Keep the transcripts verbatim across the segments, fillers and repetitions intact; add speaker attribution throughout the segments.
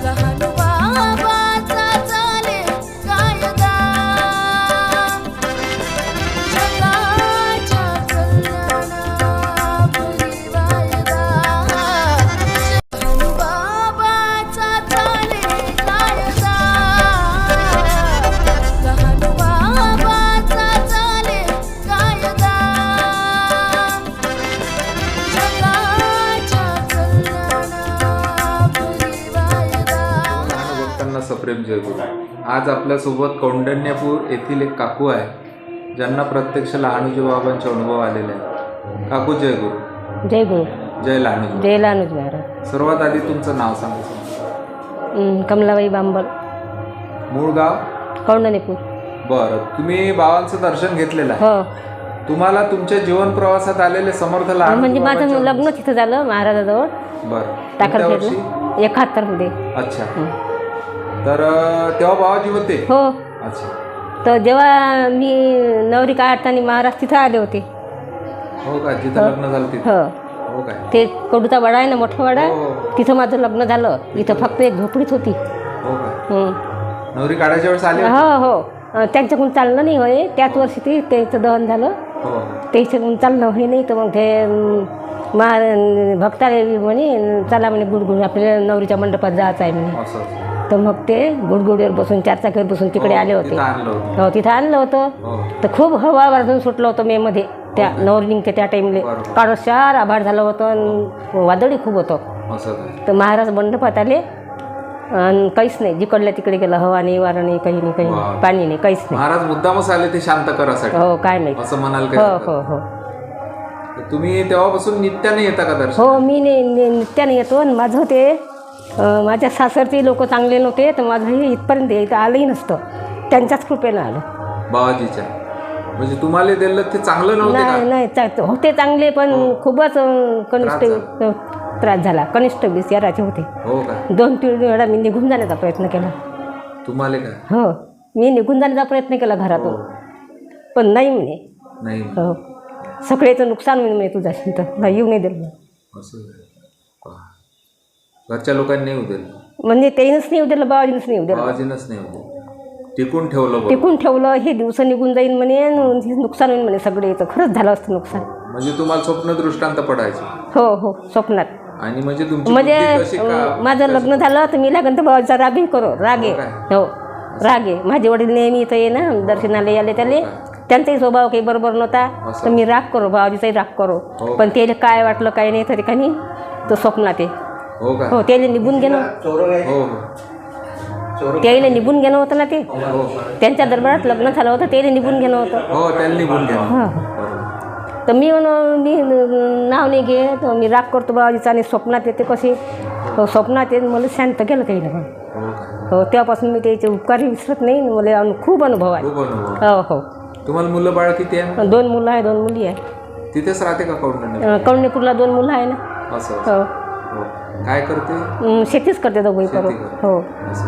Speaker 1: सप्रेम जयगुरु। आज आपल्यासोबत कौंडण्यपूर येथील एक काकू आहे ज्यांना प्रत्यक्ष लहानूजी बाबांचे अनुभव आलेले आहेत। काकू जय गुरु।
Speaker 2: जय गुरु।
Speaker 1: जय लहानूजी।
Speaker 2: जय लहानूजी महाराज।
Speaker 1: सर्वात आधी तुमचं नाव सांगा।
Speaker 2: कमलाबाई बांबल।
Speaker 1: मूळ गाव
Speaker 2: कौंडण्यपूर।
Speaker 1: बरं, तुम्ही बाबांचं दर्शन घेतलेलं आहे?
Speaker 2: हो।
Speaker 1: तुम्हाला तुमच्या जीवन प्रवासात आलेले समर्थ लहान
Speaker 2: म्हणजे माझं लग्न तिथं झालं महाराजाजवळ।
Speaker 1: बरं,
Speaker 2: टाकरखेडला एकाहत्तर मध्ये।
Speaker 1: अच्छा, तर तेव्हा बाबाजी होते?
Speaker 2: हो।
Speaker 1: अच्छा,
Speaker 2: तर जेव्हा मी नवरी काढताना महाराज तिथं आले होते।
Speaker 1: हो का? जिथं लग्न झालं तिथं?
Speaker 2: हो।
Speaker 1: हो काय?
Speaker 2: ते कडूचा वाडा आहे ना, मोठा वाडा, तिथं माझं लग्न झालं। इथं फक्त एक झोपडीच होती।
Speaker 1: हो का? नवरी काढायच्या वेळेस आले?
Speaker 2: हो हो। त्यांच्याकडून चाललं नाही होय, त्याच वर्षी ते त्यांचं दहन झालं।
Speaker 1: हो,
Speaker 2: त्याच्याकडून चालणं होई नाही, तर मग ते मा भक्ताला म्हणे चला म्हणे गुडगुड आपल्याला नवरीच्या मंडपात जायचं आहे म्हणे। तर मग ते गुडगुडीवर बसून चार चाकीवर बसून तिकडे आले होते। हो, तिथं आणलं होतं। तर खूप हवा वाजून सुटलं होतं मे मध्ये, त्या नवरी निघते त्या टाईमला काळोशार आभाळ झालं होतं आणि वादळी खूप होतं। तर महाराज मंडपात आले आणि काहीच नाही, जिकडल्या तिकडे गेलं, हवा नाही, वारा नाही, काही नाही, काही नाही, पाणी नाही, काहीच नाही।
Speaker 1: महाराज मुद्दामच आले ते शांत करायसाठी? हो, काय नाही असं म्हणाल का?
Speaker 2: हो हो हो।
Speaker 1: तुम्ही तेव्हापासून नित्याने येता का दर्शन?
Speaker 2: हो, मी नित्याने येतो। आणि माझं ते माझ्या सासरचे लोक चांगले नव्हते, तर माझं हे इथपर्यंत इथं आलंही नसतं, त्यांच्याच कृपेनं आलं। बाबाजीच्या
Speaker 1: म्हणजे तुम्हाला दिलं ते चांगलं नव्हतं?
Speaker 2: नाही नाही, होते चांगले, पण खूपच कनिष्ठ त्रास झाला। कनिष्ठ वीस याराचे होते।
Speaker 1: हो का?
Speaker 2: दोन तीन वेळा मी निघून जाण्याचा प्रयत्न केला।
Speaker 1: तुम्हाला का?
Speaker 2: हो, मी निघून जाण्याचा प्रयत्न केला घरातून, पण नाही म्हणे।
Speaker 1: नाही?
Speaker 2: हो, सगळेचं नुकसान होईल म्हणे तुझ्याशी, तर नाही येऊ नाही दिलं।
Speaker 1: घरच्या लोकांनी नाही उद्या? म्हणजे
Speaker 2: तेच नाही उद्याला, बाबाजीनंच नाही उद्या।
Speaker 1: बाबाजीनंच नाही उद्या टिकून ठेवलं?
Speaker 2: टिकून ठेवलं। हे दिवस निघून जाईल म्हणे, नुकसान होईल म्हणे सगळे, तर खरंच झालं असतं नुकसान।
Speaker 1: म्हणजे तुम्हाला स्वप्न दृष्टांत पडायचे?
Speaker 2: हो हो, स्वप्नात।
Speaker 1: आणि म्हणजे तुमची
Speaker 2: म्हणजे माझं लग्न झालं तर मी लागन तर बाबाचा रागही करो, रागे। हो, रागे। माझे वडील नेहमी इथं ये ना दर्शनाला याले, त्याले त्यांचाही स्वभाव काही बरोबर नव्हता, तर मी राग करो, बाबाजीचाही राग करो। पण त्याला काय वाटलं काय नाही तरी काही तो स्वप्नात आहे।
Speaker 1: हो का?
Speaker 2: हो, त्याला निघून गेलं।
Speaker 1: हो,
Speaker 2: त्याला निघून गेलं होतं ना, ते त्यांच्या दरबारात लग्न झालं होतं, त्याला निघून गेलं होतं।
Speaker 1: हो, त्याला निघून गेलं।
Speaker 2: हां, तर मी मी नाव नाही घे, तर मी राग करतो बाबाजीचा, आणि स्वप्नात येते कशी, स्वप्नात येत मला शांत केलं काही ना। हो, तेव्हापासून मी त्याचे उपकारही विसरत नाही, मला खूप अनुभव आहे। हो हो। तुम्हाला मुलं बाळ किती आहे? दोन मुलं आहे, दोन मुली आहे।
Speaker 1: तिथेच राहते का कौंडण्य?
Speaker 2: कौंडण्यपूरला दोन मुलं आहे ना।
Speaker 1: असं? हो। काय करते?
Speaker 2: शेतीच करते दोघंही करू। हो।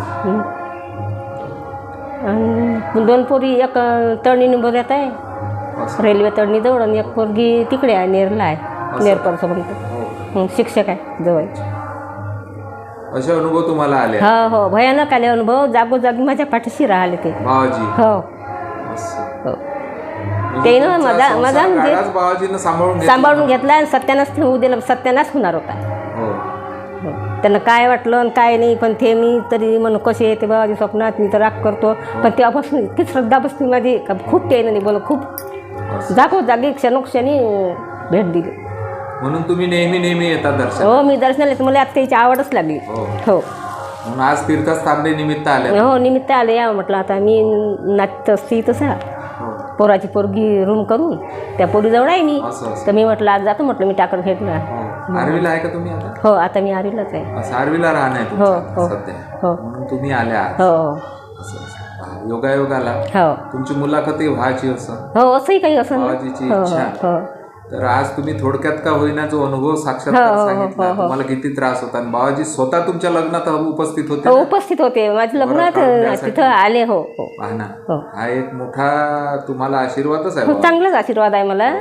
Speaker 2: आणि दोन पोरी, एक तळणी नंबरात आहे रेल्वे तळणी जवळ, आणि एक पोरगी तिकडे आहे नेरला आहे, नेरपरचं म्हणतो, शिक्षक आहे जवळ।
Speaker 1: असे अनुभव तुम्हाला आले?
Speaker 2: हो हो, भयानक आले अनुभव, जागोजागी माझ्या पाठीशी राहिले ते बाबाजी। हो हो, ते ना माझा माझा म्हणजे
Speaker 1: सांभाळून
Speaker 2: सांभाळून घेतला, आणि सत्यानाश होऊ दिलं, सत्यानाश होणार होता। त्यांना काय वाटलं आणि काय नाही, पण ते मी तरी म्हणून कसे येते बाबाजी स्वप्नात, मी तर राग करतो, पण तेव्हापासून इतकी श्रद्धा बसली माझी का खूप ते नाही बोल, खूप जागोजागी क्षणोक्षणी भेट दिली।
Speaker 1: म्हणून तुम्ही नेहमी नेहमी येतात दर्शन?
Speaker 2: हो, मी दर्शनाला येते, मला आता त्याची आवडच लागली। हो,
Speaker 1: आज तीर्थस्थान निमित्त आले?
Speaker 2: हो, निमित्त आले, या म्हटलं आता मी नाचत असते तसा, पोराची पोरगी रूम करून त्या पोरीजवळ आहे मी, तर मी म्हटलं आज जातो, म्हटलं मी टाकरखेडला।
Speaker 1: आर्वीला आहे का तुम्ही आता?
Speaker 2: हो, आता मी आर्वीलाच आहे।
Speaker 1: आर्वीला राहणं आहे?
Speaker 2: हो हो
Speaker 1: सध्या?
Speaker 2: हो,
Speaker 1: म्हणून तुम्ही आल्या?
Speaker 2: हो,
Speaker 1: योगायोगाला
Speaker 2: हो,
Speaker 1: तुमची मुलाखत व्हायची असं?
Speaker 2: हो, असंही काही असं
Speaker 1: बाबाजीची इच्छा। तर आज तुम्ही थोडक्यात का होईना जो अनुभव साक्षात्कार सांगितला, तुम्हाला किती त्रास होता, आणि बाबाजी स्वतः तुमच्या लग्नात उपस्थित होते?
Speaker 2: उपस्थित होते माझ्या लग्नात, तिथं आले। हो हो,
Speaker 1: हा एक मोठा तुम्हाला आशीर्वादच आहे।
Speaker 2: चांगलाच आशीर्वाद आहे मला।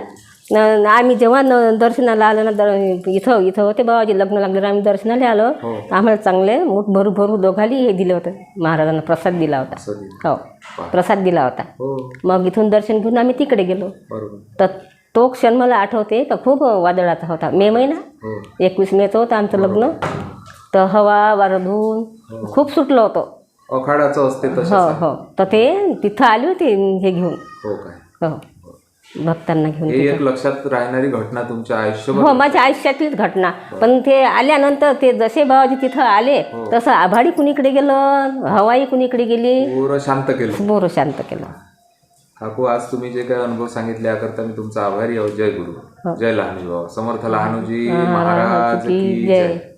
Speaker 2: न- आम्ही जेव्हा न दर्शनाला आलो ना दर इथं इथं होते बाबाजी लग्न लागलं आम्ही दर्शनाला आलो
Speaker 1: हो.
Speaker 2: आम्हाला चांगले मूठ भरू भरू दोघाली हे दिलं होतं महाराजांना प्रसाद दिला होता
Speaker 1: असं दिलं.
Speaker 2: हो प्रसाद दिला होता
Speaker 1: हो
Speaker 2: मग इथून दर्शन घेऊन आम्ही तिकडे गेलो
Speaker 1: बरोबर.
Speaker 2: तर तो क्षण मला आठवते का खूप वादळाचा होता मे महिना
Speaker 1: हो
Speaker 2: एकवीस मेचं होतं आमचं लग्न तर हवा वारं धुवून खूप सुटलं होतं
Speaker 1: अखाडाचं असते
Speaker 2: हो
Speaker 1: तसं.
Speaker 2: हो तर ते तिथं आली होती हे घेऊन
Speaker 1: हो काय.
Speaker 2: हो भक्तांना घेऊन
Speaker 1: हे एक लक्षात राहणारी घटना तुमच्या आयुष्यभर.
Speaker 2: हो माझ्या आयुष्यातलीच घटना पण ते आल्यानंतर ते जसे बाबाजी तिथं आले तसं आभाडी कुणीकडे गेलं हवाई कुणीकडे गेली
Speaker 1: पूर्ण शांत केलं.
Speaker 2: बोर शांत केलं.
Speaker 1: काकू आज तुम्ही जे काही अनुभव सांगितले याकरता मी तुमचा आभारी आहोत. जय गुरु जय लहानूजी बाबा समर्थ लहानूजी महाराज की जय.